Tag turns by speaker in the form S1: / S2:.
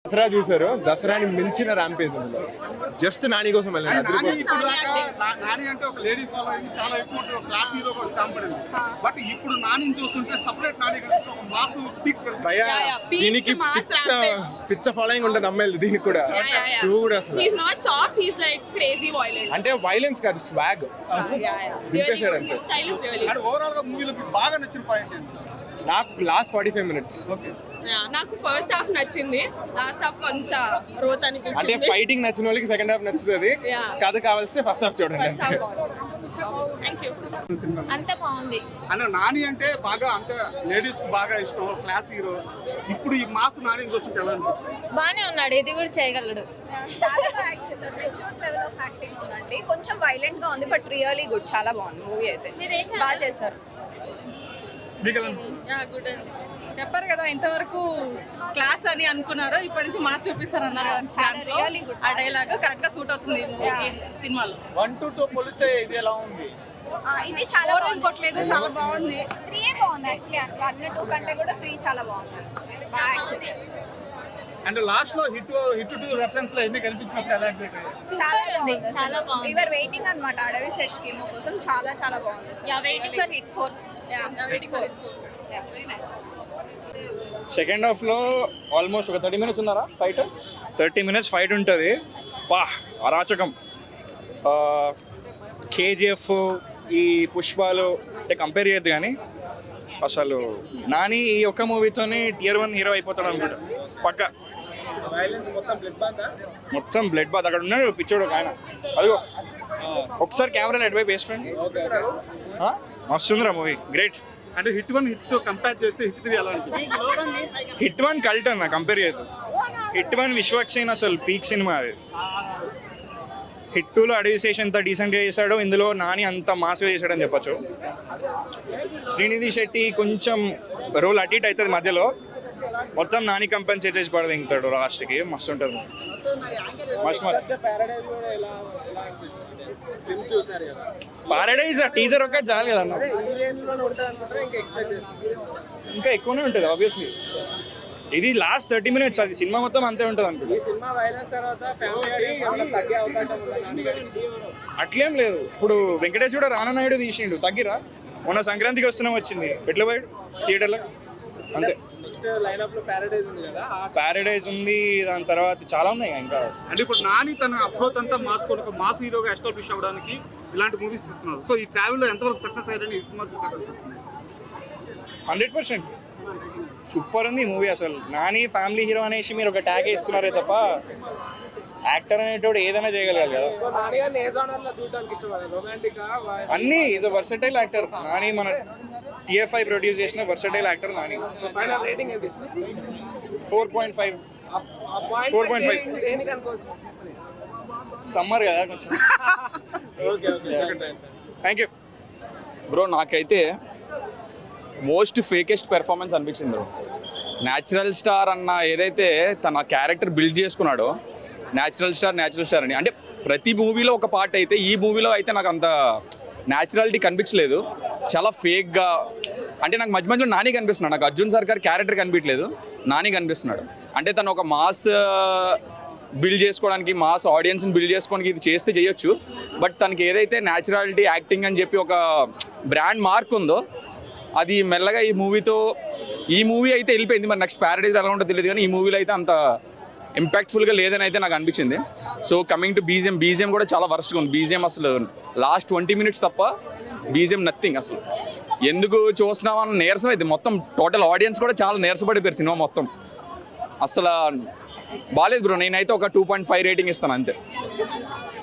S1: దసరా చూసారు, దసరాని మించిన ర్యాంపేజ్ ఉంది. జస్ట్ నాని కోసం వెళ్ళండి.
S2: నాని అంటే ఒక లేడీ ఫాలోయింగ్ చాలా ఎక్కువ ఉంటుంది, ఒక క్లాస్ హీరో కోసం కాంపడింది. బట్ ఇప్పుడు నాని చూస్తుంటే సపరేట్ నాని కనిపిస్తే ఒక మాస్ పిక్స్
S1: దీనికి పిచ్చ ఫాలోయింగ్ ఉంటుంది అమ్మాయిలు. దీనికి కూడా కూడా అసలు అంటే వైలెన్స్ కాదు, స్వాగ్ దింపేశాడు అంతే.
S2: ఓవరాల్ గా మూవీలో బాగా నచ్చిన పాయింట్ ఏంటి?
S1: నాకు లాస్ట్ 45 minutes.
S3: నాకు ఫస్ట్ హాఫ్ నచ్చింది, లాస్ట్ హాఫ్ కొంచెం రోత్
S1: అంటే
S3: అనిపించింది.
S1: ఫైటింగ్ నచ్చిన వాళ్ళకి సెకండ్ హాఫ్ నచ్చుతుంది, కథ కావాల్సి ఫస్ట్ హాఫ్ చూడండి.
S4: అంత బాగుంది.
S2: అంటే నాని అంటే బాగా అంటే లేడీస్ బాగా ఇష్టం, క్లాస్ హీరో. ఇప్పుడు ఈ మాస్ నాని చూస్తుంటే ఎలా అనిపిస్తుంది?
S4: బానే ఉన్నాడు, ఇది కూడా చేయగలడు.
S3: చాలా బాగా యాక్ట్ చేశారు, మెచ్యూర్ లెవెల్ ఆఫ్ యాక్టింగ్ ఉందండి. కొంచెం వైలెంట్ గా ఉంది బట్ రియల్లీ గుడ్, చాలా బాగుంది మూవీ అయితే. బాగా చేశారు.
S5: చెప్పారు కదా ఇంతవరకు క్లాస్ అని అనుకున్నారు, ఇప్పటి నుంచి మాస్ చూపిస్తారు అన్నారు. ఆ డైలాగ్ కరెక్ట్ గా సూట్ అవుతుంది సినిమాలో.
S2: 1 to 2 పోలిస్తే ఇది ఎలా ఉంది?
S3: ఇది చాలా
S5: కొట్టలేదు, చాలా బాగుంది.
S3: 3 బాగుంది యాక్చువల్లీ. 1, 2 కంటే కూడా 3 చాలా బాగుంది. బాగా యాక్ట్ చేశారు.
S2: అండ్ లాస్ట్ లో హిట్ టు రెఫరెన్స్ లో ఎన్ని కనిపించినప్పుడు ఎలా ఎగ్జైట్ అయ్యారు?
S3: చాలా బాగుంది. We were waiting అన్నమాట అడవి సెట్ స్కీమ్ కోసం. చాలా చాలా బాగుంది.
S4: Waiting for hit 4.
S6: సెకండ్ హాఫ్లో ఆల్మోస్ట్ ఒక 30 minutes ఉన్నారా ఫైట్. 30 minutes ఫైట్ ఉంటుంది. పా అరాచకం. కేజీఎఫ్ ఈ పుష్పాలు అంటే కంపేర్ చేయొద్దు, కానీ అసలు నాని ఈ ఒక్క మూవీతోనే Tier 1 హీరో అయిపోతాడు అనుకుంటా పక్క. మొత్తం బ్లడ్ బాత్. అక్కడ ఉన్నాడు పిచ్చోడు ఒక ఆయన, అదిగో ఒకసారి కెమెరాలో ఎటువైపు వేసుకోండి. మస్తుందిరా మూవీ, గ్రేట్.
S2: అంటే హిట్ 1 హిట్ 2 కంపేర్ చేస్తే హిట్ 3 ఎలా అనిపిస్తుంది?
S6: హిట్ 1 కల్ట్ అన్న, కంపేర్ చేయదు. హిట్ 1 విశ్వక్సేన్ అసలు పీక్ సినిమా అది. హిట్ 2లో అడవి శేష్ ఎంత డీసెంట్గా చేశాడో ఇందులో నాని అంత మాస్గా చేశాడని చెప్పచ్చు. శ్రీనిధి శెట్టి కొంచెం రోల్ అటు ఇటు అవుతుంది మధ్యలో, మొత్తం నాని కంపెన్సేట్ చేసి పడదు ఇంకతాడు లాస్ట్కి. మస్తు ఉంటుంది. పారడైజ్ టీజర్ ఒకటి చాలు కదా అన్న, ఇంకా ఎక్కువనే ఉంటుంది ఆబ్వియస్లీ. ఇది లాస్ట్ 30 minutes, అది సినిమా మొత్తం అంతే ఉంటుంది అనుకుంటా. అట్లేం లేదు. ఇప్పుడు వెంకటేష్ కూడా రానా నాయుడు తీసిండు, తగ్గిరా. మొన్న సంక్రాంతికి వస్తున్నాం వచ్చింది, ఎట్లా పోయాడు థియేటర్లో అంతే. ప్యారడైజ్ ఉంది, దాని తర్వాత చాలా ఉన్నాయి ఇంకా.
S2: అంటే ఇప్పుడు నాని తన అప్రోచ్ అంతా మార్చుకోవడం, ఒక మాస్ హీరోగా ఎస్టాబ్లిష్ అవ్వడానికి ఇలాంటి మూవీస్ తీస్తున్నారు. సో ఈ ట్రావెల్ లో ఎంతవరకు సక్సెస్ అయ్యారని ఈ సినిమా
S6: 100% సూపర్ ఉంది మూవీ. అసలు నాని ఫ్యామిలీ హీరో అనేసి మీరు ఒక ట్యాగ్ ఇస్తున్నారే తప్ప యాక్టర్ అనేటోడు ఏదైనా చేయగలగాలి కదా. అన్నీ is a versatile actor Nani. మన TFI ప్రొడ్యూస్ చేసిన వర్సటైల్ యాక్టర్ నాని. 4.5. సమ్మర్ కదా కొంచెం. Thank you
S7: bro. నాకైతే మోస్ట్ ఫేకెస్ట్ పెర్ఫార్మెన్స్ అనిపించింది బ్రో. న్యాచురల్ స్టార్ అన్న ఏదైతే తన క్యారెక్టర్ బిల్డ్ చేసుకున్నాడో, న్యాచురల్ స్టార్ అని, అంటే ప్రతి మూవీలో ఒక పార్ట్ అయితే ఈ మూవీలో అయితే నాకు అంత న్యాచురాలిటీ కనిపించలేదు. చాలా ఫేక్గా, అంటే నాకు మధ్య మధ్యలో నాని కనిపిస్తున్నాడు. నాకు అర్జున్ సర్కార్ క్యారెక్టర్ కనిపించలేదు, నాని కనిపిస్తున్నాడు. అంటే తను ఒక మాస్ బిల్డ్ చేసుకోవడానికి, మాస్ ఆడియన్స్ని బిల్డ్ చేసుకోవడానికి ఇది చేస్తే చేయొచ్చు. బట్ తనకి ఏదైతే న్యాచురాలిటీ యాక్టింగ్ అని చెప్పి ఒక బ్రాండ్ మార్క్ ఉందో, అది మెల్లగా ఈ మూవీ అయితే వెళ్ళిపోయింది. మరి నెక్స్ట్ ప్యారడైజ్ ఎలా ఉంటుందో తెలియదు, కానీ ఈ మూవీలో అయితే అంత ఇంపాక్ట్ఫుల్గా లేదని అయితే నాకు అనిపించింది. సో కమింగ్ టు బీజిఎం కూడా చాలా వర్స్ట్గా ఉంది. బీజిఎం అసలు లాస్ట్ 20 minutes తప్ప బీజిఎం నథింగ్. అసలు ఎందుకు చూస్తున్నామన్న నీరసం అయితే మొత్తం టోటల్ ఆడియన్స్ కూడా చాలా నీరసపడిపోయారు సినిమా మొత్తం. అసలు బాగాలేదు బ్రో. నేనైతే ఒక 2.5 రేటింగ్ ఇస్తాను అంతే.